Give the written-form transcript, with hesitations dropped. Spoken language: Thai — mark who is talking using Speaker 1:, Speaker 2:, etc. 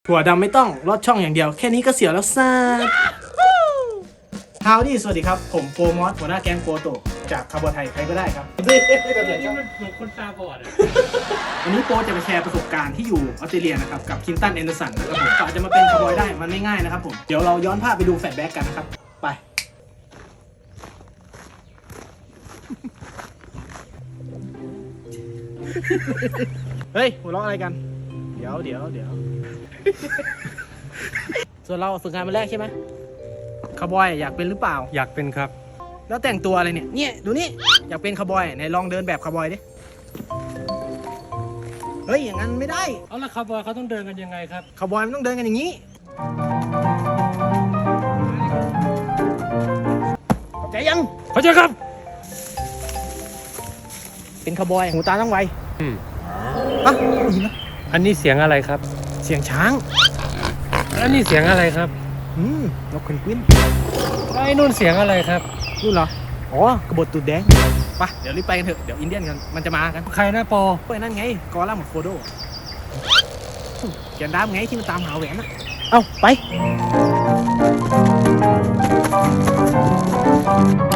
Speaker 1: ถั่วดำไม่ต้องลอดช่องอย่างเดียวแค่นี้ก็เสียวแล้วซ่าฮาวดี้สวัสดีครับผมโปรมอสหัวหน้าแก๊งโปรโตจากคาร์บอนไทยใครก็ได้ครับ
Speaker 2: นี่มันเหมือนคนตาบอดอ่ะ
Speaker 1: วันนี้โปรจะมาแชร์ประสบการณ์ที่อยู่ออสเตรเลียนะครับกับคินตันแอนเดอร์สันนะครับผมก็อาจจะมาเป็นคาร์บอยได้มันไม่ง่ายนะครับผมเดี๋ยวเราย้อนภาพไปดูแฟลชแบ็กกันนะครับไปเฮ้ยหัวเราะอะไรกันเดี๋ยวส่วนเราฝึกงานมาแรกใช่ไหมคาร์บอยอยากเป็นหรือเปล่า
Speaker 2: อยากเป็นครับ
Speaker 1: แล้วแต่งตัวอะไรเนี่ยดูนี่อยากเป็นคาร์บอยไหนลองเดินแบบคาร์บอยดิเฮ้ยอย่างนั้นไม่ได้
Speaker 2: เอาละคาร์บอยเขาต้องเดินกันยังไงครับ
Speaker 1: คาร์บอยมันต้องเดินกันอย่างนี้เข้าใจยัง
Speaker 2: เข้าใจครับ
Speaker 1: เป็นคาร์บอยหูตาต้องไว
Speaker 2: อืม
Speaker 1: อ่ะได้ยินไหม
Speaker 2: อันนี้เสียงอะไรครับ
Speaker 1: เสียงช้าง
Speaker 2: อันนี้เสียงอะไรครับ
Speaker 1: นกเพนกวิน
Speaker 2: ไอ้นู่นเสียงอะไรครับ
Speaker 1: นู่นเหรออ๋อกระบฏตูดแดงไปเดี๋ยวรีบไปกันเถอะเดี๋ยวอินเดียนกันมันจะมากัน
Speaker 2: ใครนะปอ
Speaker 1: เฮ้ยนั่นไงกอล่าหมดโฟโดแกนดามไงที่มันตามหาแหวนอะเอ้าไป